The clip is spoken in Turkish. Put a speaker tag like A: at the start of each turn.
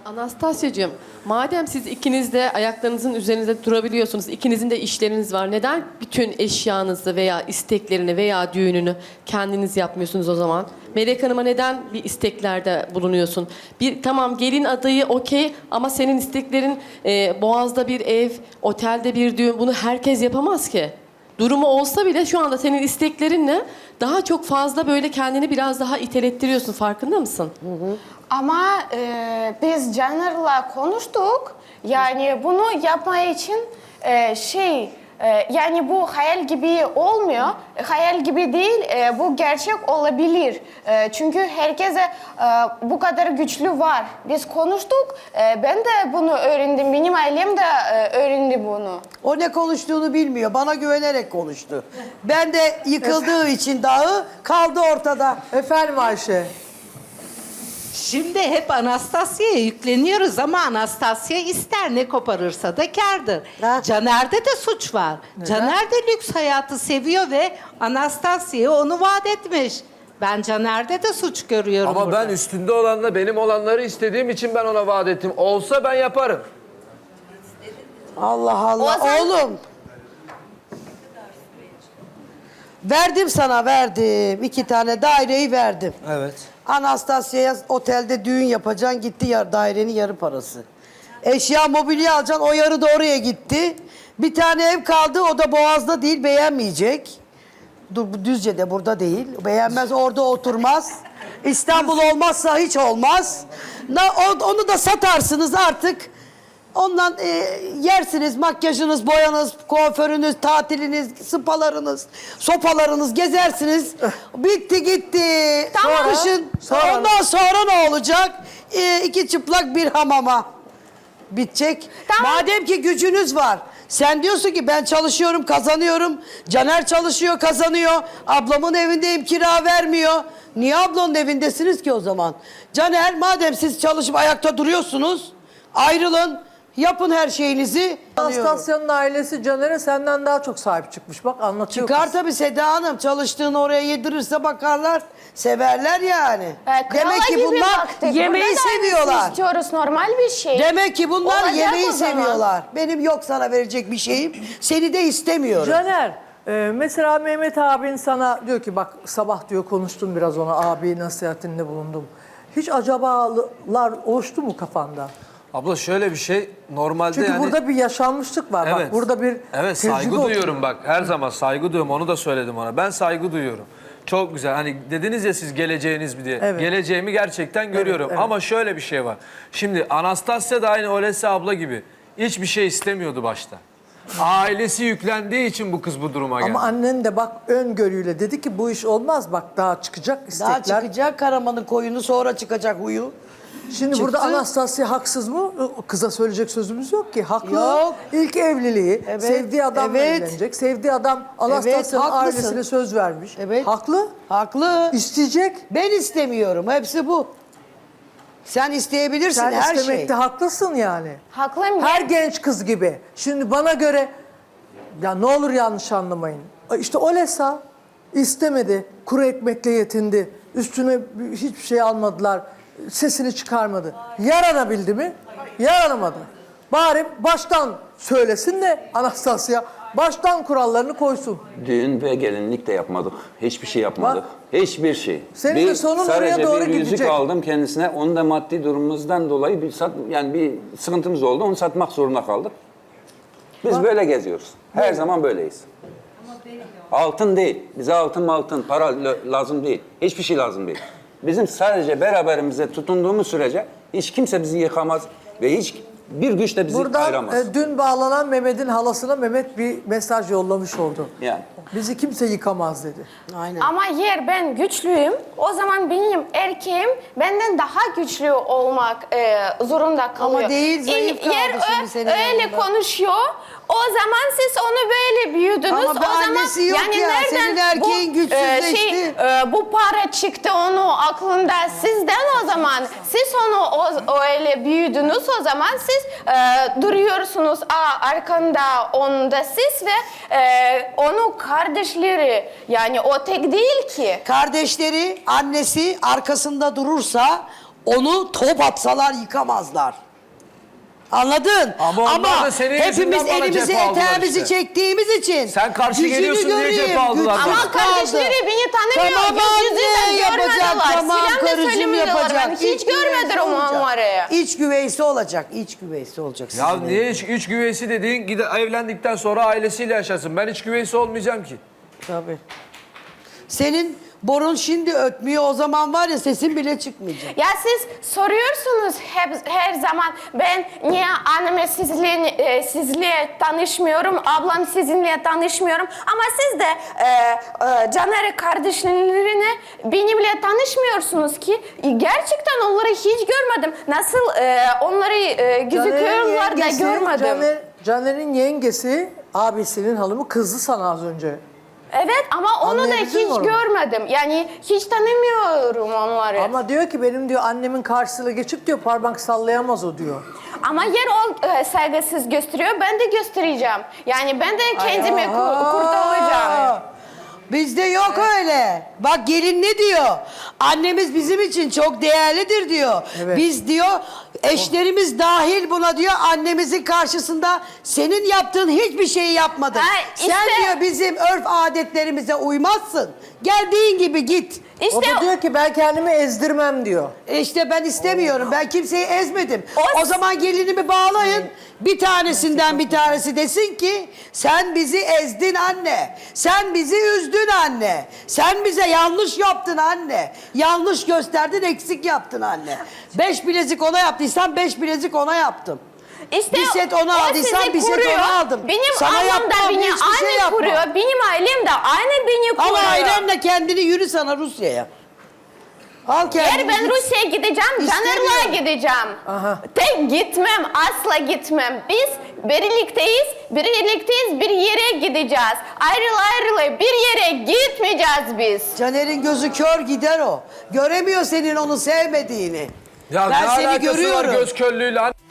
A: Anastasyacığım, madem siz ikiniz de ayaklarınızın üzerinde durabiliyorsunuz, ikinizin de işleriniz var. Neden bütün eşyanızı veya isteklerini veya düğününü kendiniz yapmıyorsunuz o zaman? Melek Hanım'a neden bir isteklerde bulunuyorsun? Tamam gelin adayı okey ama senin isteklerin Boğaz'da bir ev, otelde bir düğün. Bunu herkes yapamaz ki. Durumu olsa bile şu anda senin isteklerinle daha çok fazla böyle kendini biraz daha itelettiriyorsun. Farkında mısın?
B: Ama biz Caner'la konuştuk. Yani bunu yapmaya için yani bu hayal gibi olmuyor. Hayal gibi değil, bu gerçek olabilir. Çünkü herkese bu kadar güçlü var. Biz konuştuk, ben de bunu öğrendim. Benim ailem de öğrendi bunu.
C: O ne konuştuğunu bilmiyor. Bana güvenerek konuştu. Ben de yıkıldığı için dağı kaldı ortada.
D: Efendim Ayşe.
E: Şimdi hep Anastasya'ya yükleniyoruz ama Anastasya ister ne koparırsa da kârdır.
C: Ha.
E: Caner'de de suç var. Caner de lüks hayatı seviyor ve Anastasya'ya onu vaat etmiş. Ben Caner'de de suç görüyorum
F: Ama
E: burada.
F: ben üstünde olanla benim olanları istediğim için ben ona vaat ettim. Olsa ben yaparım.
C: Allah Allah.
B: O zaman-
C: Oğlum. Verdim sana, verdim. 2 tane daireyi verdim.
F: Evet.
C: Anastasya'ya otelde düğün yapacaksın, gitti dairenin yarı parası. Eşya, mobilya alacaksın, o yarı da oraya gitti. Bir tane ev kaldı, o da Boğaz'da değil, beğenmeyecek. Düzce'de, burada değil. Beğenmez, orada oturmaz. İstanbul olmazsa hiç olmaz. Onu da satarsınız artık. Ondan yersiniz, makyajınız, boyanız, kuaförünüz, tatiliniz, spalarınız, sopalarınız, gezersiniz. Bitti gitti.
B: Tamam.
C: Ondan sonra ne olacak? 2 çıplak bir hamama. Bitecek.
B: Tamam.
C: Madem ki gücünüz var. Sen diyorsun ki ben çalışıyorum, kazanıyorum. Caner çalışıyor, kazanıyor. Ablamın evindeyim, kira vermiyor. Niye ablanın evindesiniz ki o zaman? Caner, madem siz çalışıp ayakta duruyorsunuz, ayrılın. Yapın her şeyinizi.
D: Anastasya'nın ailesi Caner'e senden daha çok sahip çıkmış. Bak anlatıyor
C: Çıkar
D: kız.
C: tabii Seda Hanım. Çalıştığını oraya yedirirse bakarlar. Severler yani. Demek ki
B: Krala gibi
C: bunlar
B: baktık.
C: yemeği
B: Burada da
C: seviyorlar.
B: istiyoruz, normal bir şey.
C: Demek ki bunlar
B: Olacak
C: yemeği
B: o zaman.
C: seviyorlar. Benim yok sana verecek bir şeyim. Seni de istemiyorum.
D: Caner, mesela Mehmet abin sana diyor ki bak sabah diyor konuştum biraz ona, abi nasihatinde bulundum. Hiç acabalar oluştu mu kafanda?
F: Abla şöyle bir şey normalde
D: Çünkü
F: yani...
D: burada bir yaşanmışlık var.
F: Evet.
D: Bak burada bir
F: Evet,
D: tecrübe
F: saygı
D: oturuyor.
F: duyuyorum bak. Her zaman saygı duyuyorum. Onu da söyledim ona. Ben saygı duyuyorum. Çok güzel. Hani dediniz ya siz geleceğiniz mi diye.
D: Evet.
F: Geleceğimi gerçekten görüyorum.
D: evet.
F: Ama şöyle bir şey var. Şimdi Anastasya da aynı Olesya abla gibi hiçbir şey istemiyordu başta. Ailesi yüklendiği için bu kız bu duruma geldi.
D: Ama annen de bak öngörüyle dedi ki bu iş olmaz, bak daha çıkacak istekler.
C: Daha çıkacak Karaman'ın koyunu, sonra çıkacak huyu.
D: Şimdi
C: Çıktı.
D: burada Anastasya haksız mı? Kıza söyleyecek sözümüz yok ki. Haklı.
C: Yok.
D: İlk evliliği,
C: Evet,
D: sevdiği adamla
C: evet.
D: evlenecek. Sevdiği adam Anastasya'nın
C: haklısın.
D: ailesine söz vermiş.
C: Evet.
D: Haklı.
C: Haklı.
D: İsteyecek.
C: Ben istemiyorum. Hepsi bu. Sen isteyebilirsin
D: Sen
C: her
D: istemekte
C: şey.
D: haklısın yani.
B: Haklıyım.
D: Her genç kız gibi. Şimdi bana göre, ya ne olur yanlış anlamayın. İşte Olesa istemedi. Kuru ekmekle yetindi. Üstüne hiçbir şey almadılar. Sesini çıkarmadı. Yaranabildi mi? Yaranamadı. Bari baştan söylesin de Anastasya baştan kurallarını koysun.
G: Düğün ve gelinlik de yapmadık. Hiçbir şey yapmadık.
D: Bak.
G: Hiçbir şey.
D: Senin de sonun oraya
G: sadece
D: doğru
G: bir yüzük
D: gidecek.
G: aldım kendisine. Onu da maddi durumumuzdan dolayı bir sıkıntımız oldu. Onu satmak zorunda kaldık. Biz böyle geziyoruz. Her zaman böyleyiz. Altın değil. Bize altın, para lazım değil. Hiçbir şey lazım değil. Bizim sadece beraberimize tutunduğumuz sürece hiç kimse bizi yıkamaz ve hiç bir güç de bizi
D: Buradan
G: ayıramaz.
D: dün bağlanan Mehmet'in halasına Mehmet bir mesaj yollamış oldu.
G: Yani.
D: Bizi kimse yıkamaz dedi.
C: Aynen.
B: Ama yer ben güçlüyüm. O zaman benim erkeğim benden daha güçlü olmak zorunda kalıyor.
C: Ama değil, zayıf kaldı
B: Yer
C: şimdi senin
B: öyle
C: yanında.
B: konuşuyor. O zaman siz onu böyle büyüdünüz.
C: Ama
B: o zaman
C: annesi yok ya, senin erkeğin güçsüzleşti.
B: bu para çıktı onu aklında sizden o zaman. Siz onu öyle büyüdünüz o zaman siz duruyorsunuz arkanda onda siz ve onu kardeşleri yani o tek değil ki.
C: Kardeşleri, annesi arkasında durursa Onu top atsalar yıkamazlar. Anladın?
F: Ama onlar da senin
C: hepimiz
F: yüzünden bana
C: elimizi
F: cephe aldılar
C: eteğimizi
F: işte.
C: çektiğimiz için.
F: Sen karşı
C: gücünü
F: geliyorsun diye
C: göreyim,
F: cephe aldılar
C: güçsüz
F: bana.
B: Ama kardeşleri
C: kaldı.
B: beni tanımıyor.
C: Tamam
B: Yüz yüze
C: anne yapacak,
B: görmediler.
C: tamam
B: Selam da
C: karıcığım
B: söylemiyorlar.
C: yapacak.
B: Ben hiç görmedim onları.
C: İç güveysi olacak, iç güveysi olacak.
F: Ya
C: sizin
F: niye iç güveysi dediğin evlendikten sonra ailesiyle yaşasın. Ben iç güveysi olmayacağım ki.
C: Tabii. Senin borun şimdi ötmüyor, o zaman var ya sesin bile çıkmayacak.
B: Ya siz soruyorsunuz her zaman ben niye anneme sizle tanışmıyorum, ablam sizinle tanışmıyorum. Ama siz de Caner kardeşlerini benimle tanışmıyorsunuz ki. Gerçekten onları hiç görmedim. Nasıl onları gözüküyorlar da görmedim.
D: Caner'in yengesi abisinin hanımı kızdı sana az önce.
B: Evet ama onu da
D: Anlayabildin mi
B: hiç
D: onu?
B: görmedim. Yani hiç tanımıyorum onları.
D: Ama diyor ki benim diyor annemin karşısına geçip diyor parmak sallayamaz o diyor.
B: Ama yer o saygısız gösteriyor, ben de göstereceğim. Yani ben de kendimi kurtaracağım.
C: Bizde yok öyle. Bak gelin ne diyor? Annemiz bizim için çok değerlidir diyor.
D: Evet.
C: Biz diyor eşlerimiz dahil buna diyor annemizin karşısında senin yaptığın hiçbir şeyi yapmadın.
B: Ha,
C: Sen
B: işte-
C: diyor bizim örf adetlerimize uymazsın. Geldiğin gibi git.
D: O da diyor ki ben kendimi ezdirmem diyor.
C: İşte ben istemiyorum. Ben kimseyi ezmedim.
B: O-
C: O zaman gelinimi bağlayın. Bir tanesinden bir tanesi desin ki sen bizi ezdin anne. Sen bizi üzdün anne. Sen bize yanlış yaptın anne. Yanlış gösterdin, eksik yaptın anne. 5 bilezik ona yaptıysan 5 bilezik ona yaptım.
B: İşte
C: Bir set ona
B: o
C: aldıysan
B: sizi
C: bir set
B: kuruyor.
C: ona aldım.
B: Benim
C: Sana
B: ablam da
C: yapmam,
B: beni
C: hiçbir şey
B: aynı
C: yapmam.
B: kuruyor. Benim ailem de aynı beni
C: Al
B: kuruyor.
C: ailenle kendini yürü sana Rusya'ya. Al kendini.
B: Eğer ben
C: git.
B: Rusya'ya gideceğim, Caner'la
C: İstemiyorum.
B: gideceğim.
D: Aha.
B: Tek gitmem, asla gitmem. Biz birlikteyiz, bir yere gideceğiz. Ayrı bir yere gitmeyeceğiz biz.
C: Caner'in gözü kör gider o. Göremiyor senin onu sevmediğini.
F: Ya
C: Ben
F: ne
C: seni
F: alakası var
C: görüyorum.
F: göz körlüğüyle?